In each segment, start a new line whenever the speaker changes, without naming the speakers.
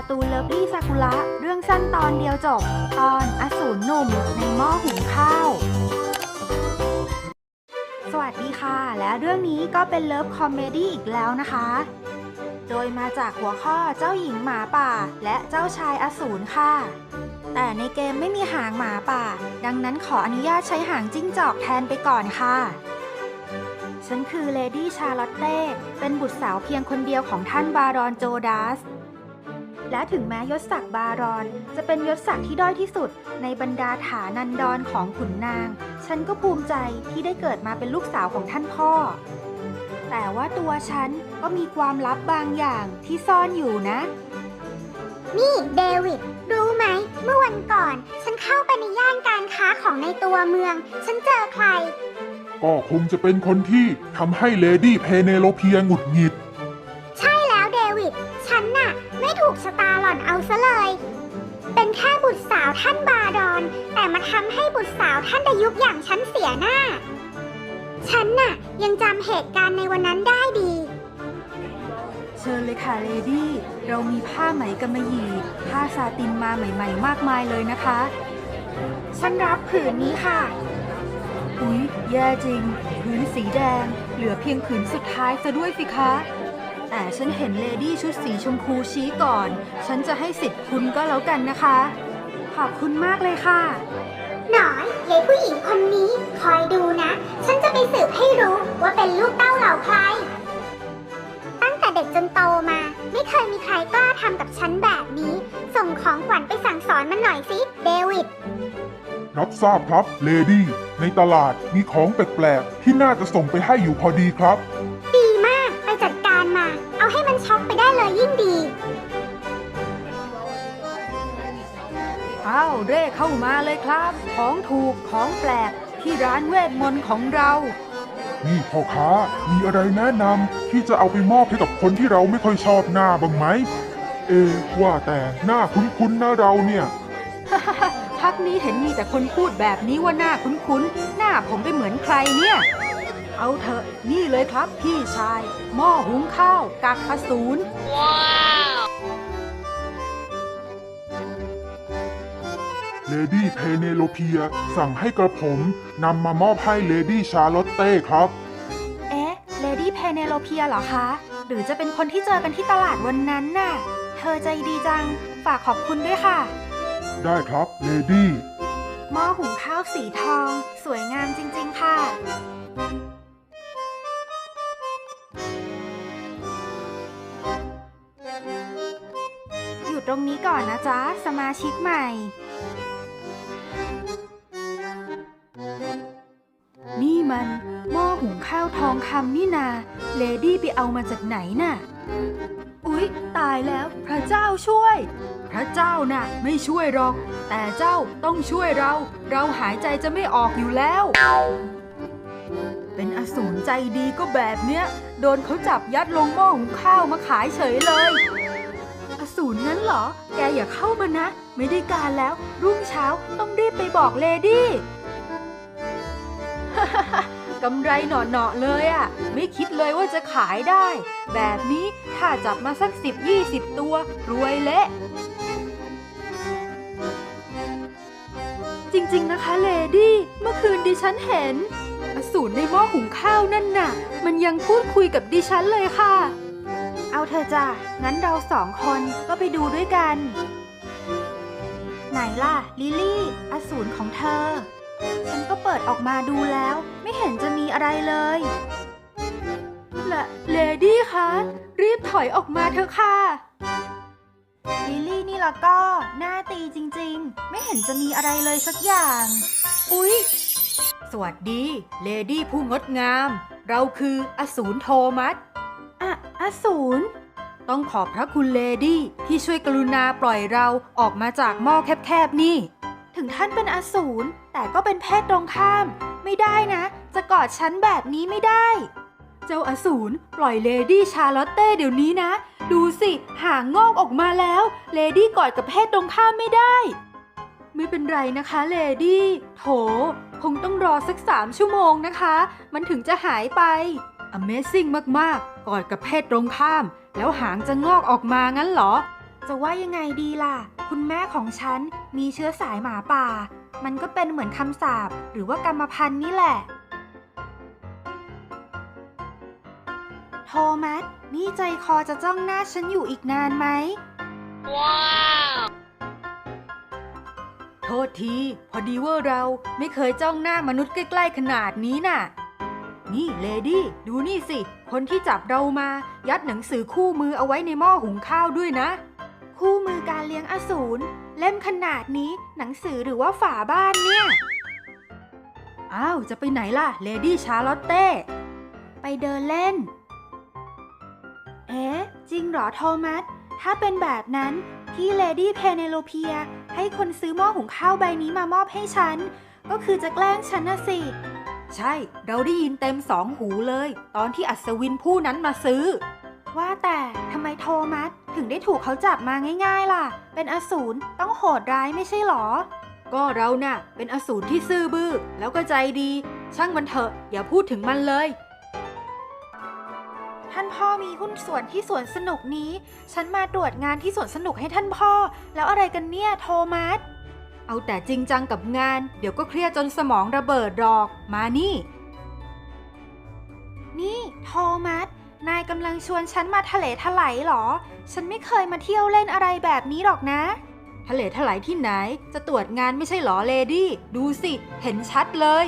ตูนเลิฟลี่ซากุระเรื่องสั้นตอนเดียวจบตอนอสูรหนุ่มในหม้อหุงข้าวสวัสดีค่ะและเรื่องนี้ก็เป็นเลิฟคอมเมดี้อีกแล้วนะคะโดยมาจากหัวข้อเจ้าหญิงหมาป่าและเจ้าชายอสูรค่ะแต่ในเกมไม่มีหางหมาป่าดังนั้นขออนุญาตใช้หางจิ้งจอกแทนไปก่อนค่ะฉันคือเลดี้ชาร์ลอตเต้เป็นบุตรสาวเพียงคนเดียวของท่านบารอนโจดัสและถึงแม้ยศศักดิ์บารอนจะเป็นยศศักดิ์ที่ด้อยที่สุดในบรรดาฐานันดรของขุนนางฉันก็ภูมิใจที่ได้เกิดมาเป็นลูกสาวของท่านพ่อแต่ว่าตัวฉันก็มีความลับบางอย่างที่ซ่อนอยู่นะ
นี่เดวิดรู้ไหมเมื่อวันก่อนฉันเข้าไปในย่านการค้าของในตัวเมืองฉันเจอใคร
ก็คงจะเป็นคนที่ทำให้เลดี้เพเนโลเพียหงุดหงิด
ใช่แล้วเดวิดฉันน่ะไม่ถูกชะตาหล่อนเอาซะเลยเป็นแค่บุตรสาวท่านบารอนแต่มาทำให้บุตรสาวท่านดยุกอย่างฉันเสียหน้าฉันน่ะยังจำเหตุการณ์ในวันนั้นได้ดี
เชิญเลยค่ะเลดี้เรามีผ้าไหมกำมะหยี่ผ้าซาตินมาใหม่ๆมากมายเลยนะคะฉันรับผืนนี้ค่ะอุ๊ยแย่จริงผืนสีแดงเหลือเพียงผืนสุดท้ายซะด้วยสิคะแต่ฉันเห็นเลดี้ชุดสีชมพูชี้ก่อนฉันจะให้สิทธิ์คุณก็แล้วกันนะคะขอบคุณมากเลยค่ะ
หน่อยยายผู้หญิงคนนี้คอยดูนะฉันจะไปสืบให้รู้ว่าเป็นลูกเต้าเหล่าใครตั้งแต่เด็กจนโตมาไม่เคยมีใครกล้าทำกับฉันแบบนี้ส่งของขวัญไปสั่งสอนมันหน่อยสิเดวิด
รับทราบครับเลดี้ในตลาดมีของแปลกๆที่น่าจะส่งไปให้อยู่พอดีครับ
ดีมากไปจัดการมาเอาให้มันช็อกไปได้เลยยิ่งดี
อ้าวเร่เข้ามาเลยครับของถูกของแปลกที่ร้านเวทมนต์ของเรา
นี่พ่อค้ามีอะไรแนะนำที่จะเอาไปมอบให้กับคนที่เราไม่ค่อยชอบหน้าบ้างไหมว่าแต่หน้าคุ้นๆนะเราเนี่ย
พักนี้เห็นมีแต่คนพูดแบบนี้ว่าหน้าคุ้นๆหน้าผมไปเหมือนใครเนี่ยเอาเถอะนี่เลยครับพี่ชายหม้อหุงข้าวกักอสูรว้าว
เลดี้เพเนโลเพียสั่งให้กระผมนำมามอบให้เลดี้ชาร์ลอตเต้ครับ
เลดี้เพเนโลเพียเหรอคะหรือจะเป็นคนที่เจอกันที่ตลาดวันนั้นน่ะเธอใจดีจังฝากขอบคุณด้วยค่ะ
ได้ครับเลดี้
หม้อหุงข้าวสีทองสวยงามจริงๆค่ะอยู่ตรงนี้ก่อนนะจ๊ะสมาชิกใหม่นี่มันหม้อหุงข้าวทองคำนี่นาเลดี้ไปเอามาจากไหนน่ะอุ๊ยตายแล้วพระเจ้าช่วยพระเจ้าน่ะไม่ช่วยหรอกแต่เจ้าต้องช่วยเราหายใจจะไม่ออกอยู่แล้วเป็นอสูรใจดีก็แบบเนี้ยโดนเขาจับยัดลงหม้อหุงข้าวมาขายเฉยเลยอสูรนั้นเหรอแกอย่าเข้ามานะไม่ได้การแล้วรุ่งเช้าต้องรีบไปบอกเลดี้ กำไรหน่อๆเลยอ่ะไม่คิดเลยว่าจะขายได้แบบนี้ถ้าจับมาสัก10-20 ตัวรวยเละจริงๆนะคะเลดี้เมื่อคืนดิฉันเห็นอสูรในหม้อหุงข้าวนั่นน่ะมันยังพูดคุยกับดิฉันเลยค่ะเอาเธอจ้ะงั้นเรา2 คนก็ไปดูด้วยกันไหนล่ะลิลลี่อสูรของเธอฉันก็เปิดออกมาดูแล้วไม่เห็นจะมีอะไรเลยละเลดี้คะรีบถอยออกมาเถอะค่ะลิลลี่นี่ละก็หน้าตีจริงๆไม่เห็นจะมีอะไรเลยสักอย่างอุ๊ยสวัสดีเลดี้ผู้งดงามเราคืออสูรโทมัสอสูรต้องขอบพระคุณเลดี้ที่ช่วยกรุณาปล่อยเราออกมาจากหม้อแคบๆนี่ถึงท่านเป็นอสูรแต่ก็เป็นเพศตรงข้ามไม่ได้นะจะกอดฉันแบบนี้ไม่ได้เจ้าอสูรปล่อยเลดี้ชาร์ลอตเต้เดี๋ยวนี้นะดูสิหางงอกออกมาแล้วเลดี้กอดกับเพศตรงข้ามไม่ได้ไม่เป็นไรนะคะเลดี้โถคงต้องรอสัก3 ชั่วโมงนะคะมันถึงจะหายไป Amazing มากๆกอดกับเพศตรงข้ามแล้วหางจะงอกออกมางั้นเหรอจะว่ายังไงดีล่ะ คุณแม่ของฉันมีเชื้อสายหมาป่า มันก็เป็นเหมือนคำสาปหรือว่ากรรมพันธุ์นี่แหละ โทมัส นี่ใจคอจะจ้องหน้าฉันอยู่อีกนานไหม ว้าว โทษที พอดีว่าเราไม่เคยจ้องหน้ามนุษย์ใกล้ๆขนาดนี้น่ะ นี่เลดี้ดูนี่สิ คนที่จับเรามายัดหนังสือคู่มือเอาไว้ในหม้อหุงข้าวด้วยนะ คู่มือการเลี้ยงอสูรเล่มขนาดนี้หนังสือหรือว่าฝาบ้านเนี่ย อ้าว จะไปไหนล่ะเลดี้ชาร์ลอตเต้ ไปเดินเล่น เอ๊ะ จริงเหรอโทมัส ถ้าเป็นแบบนั้นที่เลดี้เพเนโลเพียให้คนซื้อหม้อหุงข้าวใบนี้มามอบให้ฉัน ก็คือจะแกล้งฉันน่ะสิ ใช่ เราได้ยินเต็มสองหูเลย ตอนที่อัศวินผู้นั้นมาซื้อ ว่าแต่ทำไมโทมัสถึงได้ถูกเขาจับมาง่ายๆล่ะ เป็นอสูรต้องโหดร้ายไม่ใช่หรอ ก็เราน่ะเป็นอสูรที่ซื่อบื้อแล้วก็ใจดี ช่างมันเถอะอย่าพูดถึงมันเลย ท่านพ่อมีหุ้นส่วนที่สวนสนุกนี้ ฉันมาตรวจงานที่สวนสนุกให้ท่านพ่อ แล้วอะไรกันเนี่ยโทมัส เอาแต่จริงจังกับงาน เดี๋ยวก็เครียดจนสมองระเบิดหรอก มานี่ นี่โทมัส นายกำลังชวนฉันมาทะเลถลายหรอ ฉันไม่เคยมาเที่ยวเล่นอะไรแบบนี้หรอกนะ ทะเลถลายที่ไหน จะตรวจงานไม่ใช่หรอเลดี้ ดูสิ เห็นชัดเลย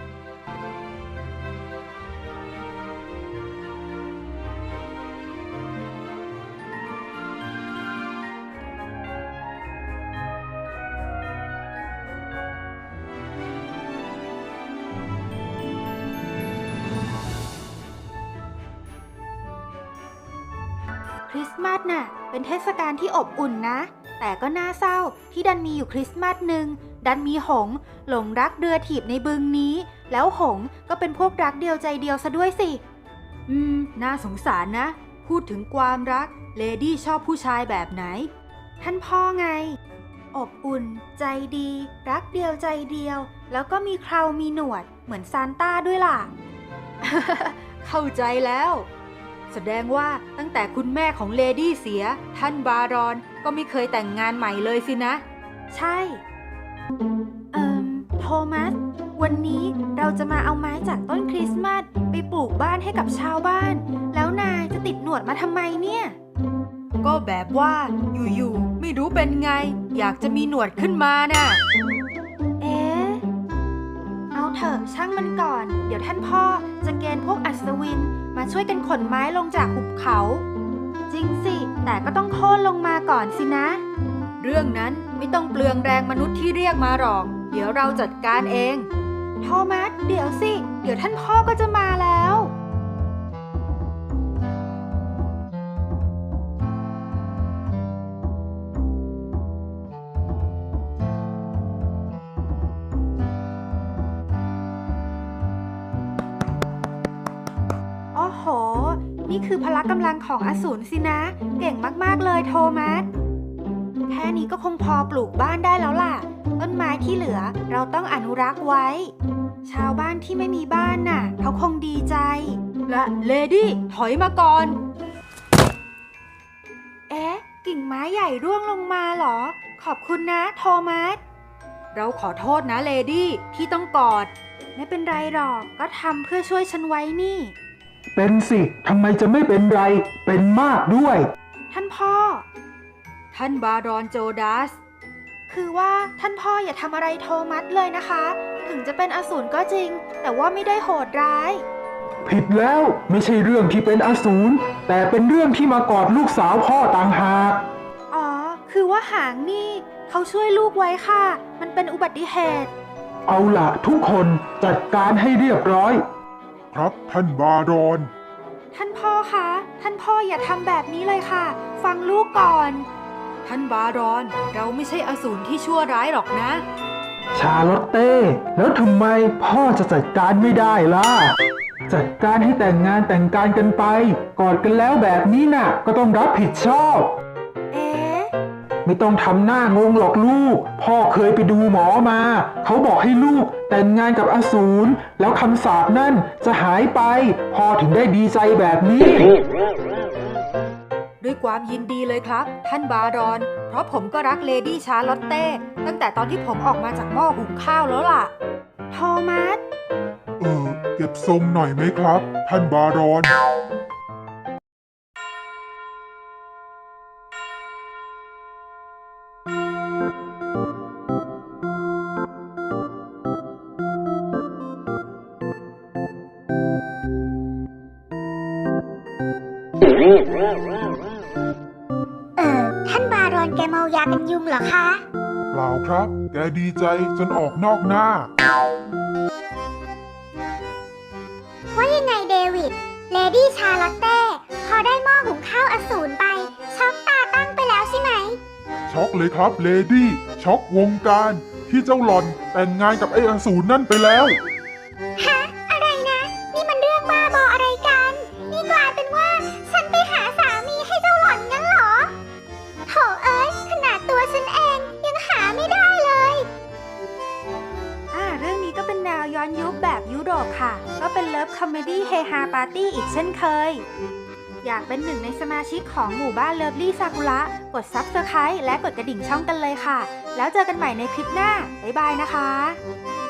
คริสต์มาสน่ะเป็นเทศกาลที่อบอุ่นนะ แต่ก็น่าเศร้าที่ดันมีอยู่คริสต์มาสหนึ่งดันมีหงส์หลงรักเรือถีบในบึงนี้ แล้วหงส์ก็เป็นพวกรักเดียวใจเดียวซะด้วยสิ น่าสงสารนะ พูดถึงความรักเลดี้ชอบผู้ชายแบบไหน ท่านพ่อไง อบอุ่น ใจดี รักเดียวใจเดียว แล้วก็มีเครามีหนวดเหมือนซานต้าด้วยล่ะ เข้าใจแล้ว แสดงว่าตั้งแต่คุณแม่ของเลดี้เสียท่านบารอนก็ไม่เคยแต่งงานใหม่เลยสินะ ใช่ โทมัส วันนี้เราจะมาเอาไม้จากต้นคริสต์มาสไปปลูกบ้านให้กับชาวบ้าน แล้วนายจะติดหนวดมาทำไมเนี่ย ก็แบบว่าอยู่ๆไม่รู้เป็นไง อยากจะมีหนวดขึ้นมาน่ะ เอ๊ะ เอาเถอะช่างมันก่อน เดี๋ยวท่านพ่อจะเกณฑ์พวกอัศวินมาช่วยกันขนไม้ลงจากหุบเขา จริงสิ แต่ก็ต้องโค่นลงมาก่อนสินะ เรื่องนั้นไม่ต้องเปลืองแรงมนุษย์ที่เรียกมาหรอก เดี๋ยวเราจัดการเอง โทมัส เดี๋ยวสิ เดี๋ยวท่านพ่อก็จะมาแล้ว โอ้โห นี่คือพละกำลังของอสูรสินะ เก่งมากๆเลยโทมัส แค่นี้ก็คงพอปลูกบ้านได้แล้วล่ะ ต้นไม้ที่เหลือเราต้องอนุรักษ์ไว้ ชาวบ้านที่ไม่มีบ้านน่ะเขาคงดีใจ และเลดี้ถอยมาก่อน เอ๊ะ กิ่งไม้ใหญ่ร่วงลงมาเหรอ ขอบคุณนะโทมัส เราขอโทษนะเลดี้ที่ต้องกอด ไม่เป็นไรหรอก ก็ทำเพื่อช่วยฉันไว้นี่
เป็นสิทำไมจะไม่เป็นไร เป็นมากด้วย
ท่านพ่อ ท่านบารอนโจดัส คือว่าท่านพ่ออย่าทำอะไรโทมัสเลยนะคะ ถึงจะเป็นอสูรก็จริง แต่ว่าไม่ได้โหดร้าย
ผิดแล้วไม่ใช่เรื่องที่เป็นอสูรแต่เป็นเรื่องที่มากอดลูกสาวพ่อต่างหาก
อ๋อ คือว่าหางนี่เขาช่วยลูกไว้ค่ะ มันเป็นอุบัติเหตุ
เอาล่ะทุกคนจัดการให้เรียบร้อย
ครับท่านบารอน
ท่านพ่อคะ ท่านพ่ออย่าทำแบบนี้เลยค่ะ ฟังลูกก่อน ท่านบารอน เราไม่ใช่อสูรที่ชั่วร้ายหรอกนะ
ชาลอตเต้ แล้วทำไมพ่อจะจัดการไม่ได้ล่ะ จัดการให้แต่งงานแต่งการกันไป กอดกันแล้วแบบนี้น่ะ ก็ต้องรับผิดชอบ
เอ๊ะ
ไม่ต้องทำหน้างงหรอกลูก พ่อเคยไปดูหมอมา เขาบอกให้ลูกแต่งงานกับอสูรแล้วคำสาปนั่นจะหายไป พ่อถึงได้ดีใจแบบนี้
ด้วยความยินดีเลยครับ ท่านบารอน เพราะผมก็รักเลดี้ชาร์ลอตเต้ตั้งแต่ตอนที่ผมออกมาจากหม้อหุงข้าวแล้วล่ะ โทมัส
เก็บทรงหน่อยไหมครับ ท่านบารอน
ท่านบารอนแกเมายากันยุงเหรอคะ
เปล่าครับ แกดีใจจนออกนอกหน้า
ว่ายังไงเดวิด เลดี้ชาร์ลอตเต้พอได้หม้อหุงข้าวอสูรไปช็อกตาตั้งไปแล้วใช่ไหม
ช็อกเลยครับเลดี้ ช็อกวงการ ที่เจ้าหล่อนแต่งงานกับไอ้อสูรนั่นไปแล้ว
ฮะ อะไรนะ นี่มันเรื่องบ้าบออะไรกัน นี่กลายเป็นว่าฉันไปหาสามีให้เจ้าหล่อนงั้นเหรอโถเอ้ย ขนาดตัวฉันเองยังหาไม่ได้เลย
เรื่องนี้ก็เป็นแนวย้อนยุคแบบยุโรปค่ะ ก็เป็นเลิฟคอมเมดี้เฮฮาปาร์ตี้อีกเช่นเคย อยากเป็นหนึ่งในสมาชิกของหมู่บ้านเลิฟลี่ซากุระ กด Subscribe และกดกระดิ่งช่องกันเลยค่ะ แล้วเจอกันใหม่ในคลิปหน้า บ๊ายบายนะคะ